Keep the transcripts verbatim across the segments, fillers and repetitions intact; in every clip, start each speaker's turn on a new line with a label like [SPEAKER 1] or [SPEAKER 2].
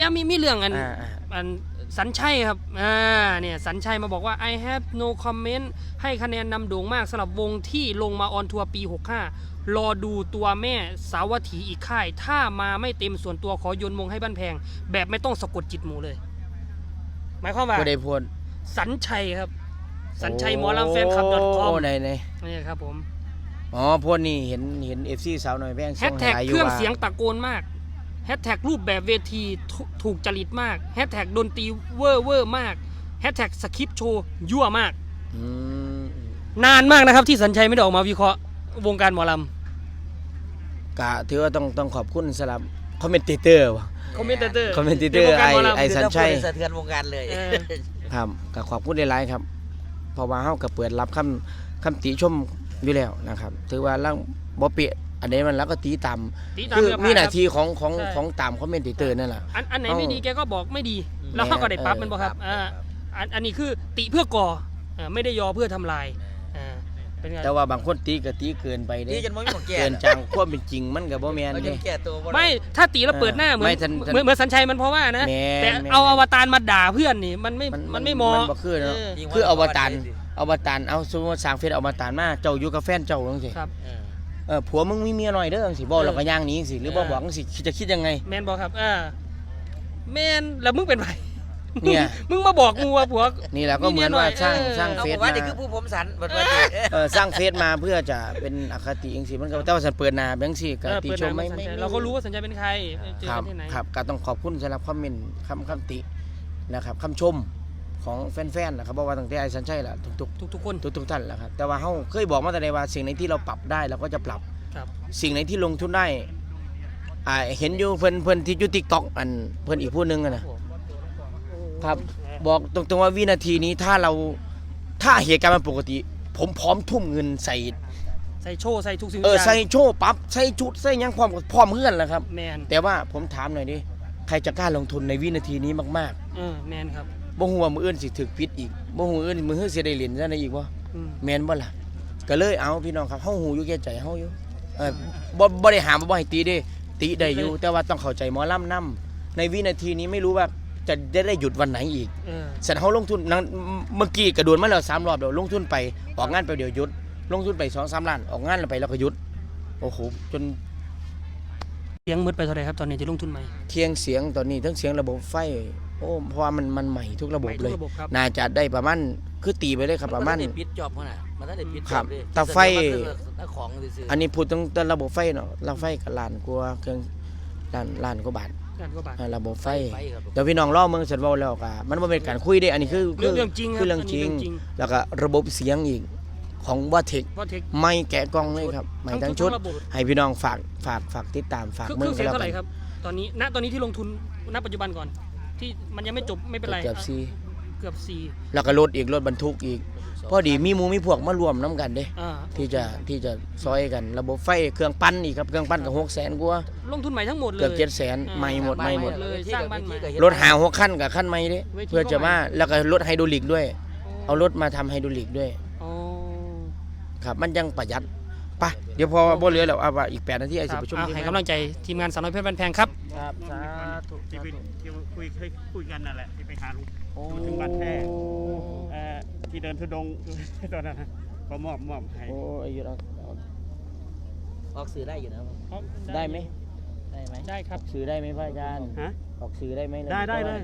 [SPEAKER 1] แล้วมีมีเรื่องอันอันสัญชัยครับอ่าเนี่ยสัญชัยมาบอกว่า I have no comment ให้คะแนนนำโด่งมากสำหรับวงที่ลงมาออนทัวร์ปีหกห้ารอดูตัวแม่สาวัตถีอีกค่ายถ้ามาไม่เต็มส่วนตัวขอโยนมงให้บ้านแพงแบบไม่ต้องสะกดจิตหมูเลยหมายความว่า
[SPEAKER 2] ได้พูด
[SPEAKER 1] สัญชัยครับสัญชัยหมอลำแฟนคลับ .com
[SPEAKER 2] โอ้ไหนไหน
[SPEAKER 1] นี่ครับผม
[SPEAKER 2] อ๋อพวกนี้เห็นเห็น เอฟ ซี สาวหน่อยแพง
[SPEAKER 1] แฮชแท็กเครื่องเสียงตะโกนมากแฮชแท็กรูปแบบเวทีถูกจริตมากแฮชแท็กดนตรีเวอร์เวอร์มากแฮชแท็กสคริปต์โชว์ยั่วมากนานมากนะครับที่สัญชัยไม่ได้ออกมาวิเคราะห์วงการหมอล
[SPEAKER 2] ำกะถือว่าต้องต้องขอบคุณสำหรับคอมเมนเตอร์วะ
[SPEAKER 1] คอมเมนเตอร์
[SPEAKER 2] คอมเมนเตอร์ไอไอสัญชัย
[SPEAKER 3] สะเทือนวงการเลย
[SPEAKER 2] ครับก็ขอบคุณหลายๆครับเพราะว่าเฮาก็เปิดรับคำคำติชมอยู่แล้วนะครับถือว่าล่างบ่เปียอันนี้มันแล้วก็ตีตามคือมีหน้าที่ของของของตามคอมเมนเตอร์นั่นแหละ
[SPEAKER 1] อันอันไหนไม่ดีแกก็บอกไม่ดีแล้วเขาก็ได้ปรับมันบ่ครับอ่าอันอันนี้คือติเพื่อก่อไม่ได้ยอเพื่อทำลายอ่า
[SPEAKER 2] แต่ว่าบางคนตีก็ตีเกินไปเด้เกินจังความเป็นจริงมันก็บ่แม่นเด้
[SPEAKER 1] ไม่ถ้าตีแล้วเปิดหน้าเหมือนเหมือนเหมือนสัญชัยมันเพราะว่านะแต่เอาอวตารมาด่าเพื่อนนี่มันไม่มันไม่เหมาะ
[SPEAKER 2] มันบ่คือเนาะคืออวตารอวตารเอาสมมุติสร้างเฟซอวตารมาเจ้าอยู่กับแฟนเจ้าจังซี่ครับเออผัวมึงมีเมียหน่อยเด้อจังซี่บ่แล้วก็ย่างหนีจังซี่หรือบ่บอกจังซี่จะคิดยังไง
[SPEAKER 1] แม่นบ่ครับอ่าแม่นแล้วมึงเป็นไผเนี่ยมึงมาบอกกูว่าผัว
[SPEAKER 2] นี่แหละก็เหมือนว่าสร้างสร้างเฟซ
[SPEAKER 3] มาว่านี่คือผู้ผมสันบัดว่า
[SPEAKER 2] เออสร้างเฟซมาเพื่อจะเป็นอคติจังซี่มันก็แต่ว่าสันเปิดหน้าจังซี่ก็ติชมไม่ไม่
[SPEAKER 1] เราก็รู้ว่าสัญชัยเป็นใครเจอ
[SPEAKER 2] กัน
[SPEAKER 1] ที่ไหน
[SPEAKER 2] ครับก็ต้องขอบคุณสำหรับคอมเมนต์คำคำตินะครับคำชมของแฟนๆนะครับบอกว่าตั้งแต่ไอ้สัญชัยล่ะทุก
[SPEAKER 1] ๆทุกๆคน
[SPEAKER 2] ทุกๆท่านแหละครับแต่ว่าเฮาเคยบอกมาแต่ใดว่าสิ่งไหนที่เราปรับได้เราก็จะปรับสิ่งไหนที่ลงทุนได้อ่าเห็นอยู่เพิ่นเพิ่นที่อยู่ TikTok อันเพิ่นอีกผู้นึงนะครับบอกตรงๆว่าวินาทีนี้ถ้าเราถ้าเหตุการณ์มันปกติผมพร้อมทุ่มเงินใส่
[SPEAKER 1] ใส่โชว์ใส่ทุกสิ่ง
[SPEAKER 2] เออใส่โชว์ปั๊บใส่ชุดใส่ยังพร้อมพร้อมเพื่อนแหละครับ
[SPEAKER 1] แมน
[SPEAKER 2] แต่ว่าผมถามหน่อยดิใครจะกล้าลงทุนในวินาทีนี้มาก
[SPEAKER 1] ๆเออแมนครับ
[SPEAKER 2] บ่ฮู้ว่ามื้ออื่นสิถึกผิดอีกบ่ฮู้มื้ออื่นมื้อสิได้เหรียญซะได้อีกบ่แม่นบ่ล่ะก็เลยเอาพี่น้องครับเฮาฮู้อยู่แก่ใจเฮาอยู่เออบ่บ่ได้ห้ามบ่ให้ตีเด้ตีได้อยู่แต่ว่าต้องเข้าใจหมอลำนำในวินาทีนี้ไม่รู้ว่าจะได้ได้หยุดวันไหนอีกเออเสร็จเฮาลงทุนเมื่อกี้กระโดดมาแล้วสามรอบแล้วลงทุนไปออกงานไปเดี๋ยวหยุดลงทุนไป สองสาม ล้านออกงานแล้วไปแล้วก็หยุดโอ้โหจน
[SPEAKER 1] เสียงมืดไปเท่าไหร่ครับตอนนี้ที่ลงทุนใหม่
[SPEAKER 2] เคียงเสียงตอนนี้ทั้งเสียงระบบไฟโอ้เพราะว่ามันมันใหม่ทุกระบบเลยน่าจะได้ประมาณคือตีไปเลยครับประมาณ
[SPEAKER 3] มันได้ปิดจอบขนาดมันได้ปิดจอบเลย
[SPEAKER 2] แต่ไฟอันนี้พูดถึงแต่ระบบไฟเนาะระบบไฟกับล้านกว่าเครื่องล้านล้านกว่าบาทระบบไฟเดี๋ยวพี่น้องล่อเมืองเสร็จว่าแล้วก็มันไม่เป็นการคุยได้อันนี้คือ
[SPEAKER 1] เรื่องจริง
[SPEAKER 2] คือเรื่องจริงแล้วก็ระบบเสียงอีกของว่าเทคไม่แกะกล้องเลยครับไม่ทั้งชุดให้พี่น้องฝากฝากฝากติดตามฝาก
[SPEAKER 1] เมืองเสียงเท่าไหร่ครับตอนนี้ณตอนนี้ที่ลงทุนณปัจจุบันก่อนที่มันยังไม่จบไม่เป็นไร
[SPEAKER 2] เกือบสี่
[SPEAKER 1] เกือบสี่
[SPEAKER 2] แล้วก็รถอีกรถบรรทุกอีกพอดีมีมูมีพวกมารวมน้ำกันเด้ที่จะที่จะซอยกันระบบไฟเครื่องปั้นอีกครับเครื่องปั้นกับหกแสนกว่า
[SPEAKER 1] ลงทุนใหม่ทั้งหมดเลย
[SPEAKER 2] เกือบเจ็ดแสนใหม่หมดใหม่หมด
[SPEAKER 1] เลยสร้างบ้านใหม่
[SPEAKER 2] รถหาหกขั้นกับขั้นใหม่เด้เพื่อจะมาแล้วก็รถไฮดรอลิกด้วยเอารถมาทำไฮดรอลิกด้วยครับมันยังประหยัดปะเดี๋ยวพอบ่เหลือแล้วเอาว่าอีกแปดนาทีไอ้สิประชุม
[SPEAKER 1] ให้กำลังใจทีมงานสาวน้อยเพชรบ้านแพงครับ
[SPEAKER 2] ครับสาธุ
[SPEAKER 4] ที่ไปคุยเคยคุยกันนั่นแหละที่ไปหาลุงถึงบ้านแพงที่เดินทุดงตอนนั้นก็มอบมอบให้
[SPEAKER 2] โอ้อายุเรา
[SPEAKER 3] ออกสื่อได้อยู่นะ
[SPEAKER 2] ได้ไหม
[SPEAKER 3] ได้ไหม
[SPEAKER 1] ได้ครับ
[SPEAKER 2] สื่อได้ไหมพระอาจารย์
[SPEAKER 4] ฮะ
[SPEAKER 2] ออกสื่อได้ไหม
[SPEAKER 4] ได้ได้เลย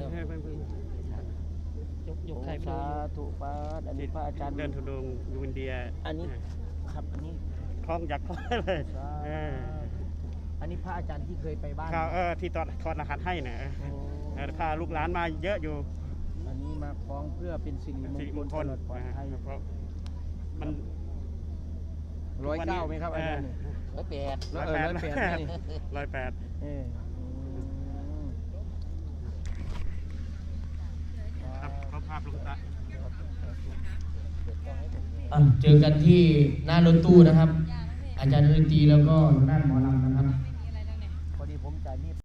[SPEAKER 1] ยกยกไทย
[SPEAKER 2] สาธุป้าอันนี้พระอาจารย์
[SPEAKER 4] เดินทุดงอยู่อินเดีย
[SPEAKER 2] อันนี้ครับอันนี้
[SPEAKER 4] คล้องยักษ์คล้องเลย
[SPEAKER 2] อันนี้พระอาจารย์ที่เคยไปบ้าน
[SPEAKER 4] เออที่ตอนทอดรหัสให้นะพาลูกหลานมาเยอะอยู่
[SPEAKER 2] อันนี้มาคล้องเพื่อเป็นสิริมงคลตลอดปลอดภัย
[SPEAKER 4] เพราะมัน
[SPEAKER 2] ร้อยเก้าไหมครับอาจารย์
[SPEAKER 3] ร้อยแปด
[SPEAKER 4] ร้อยแปดร้อยแปดเขาภาพลงตา
[SPEAKER 2] เจอกันที่หน้ารถตู้นะครับอาจารย์ดนตรีแล้วก็ด้านหมอลำนะครับพอดีผมจ่ายนี่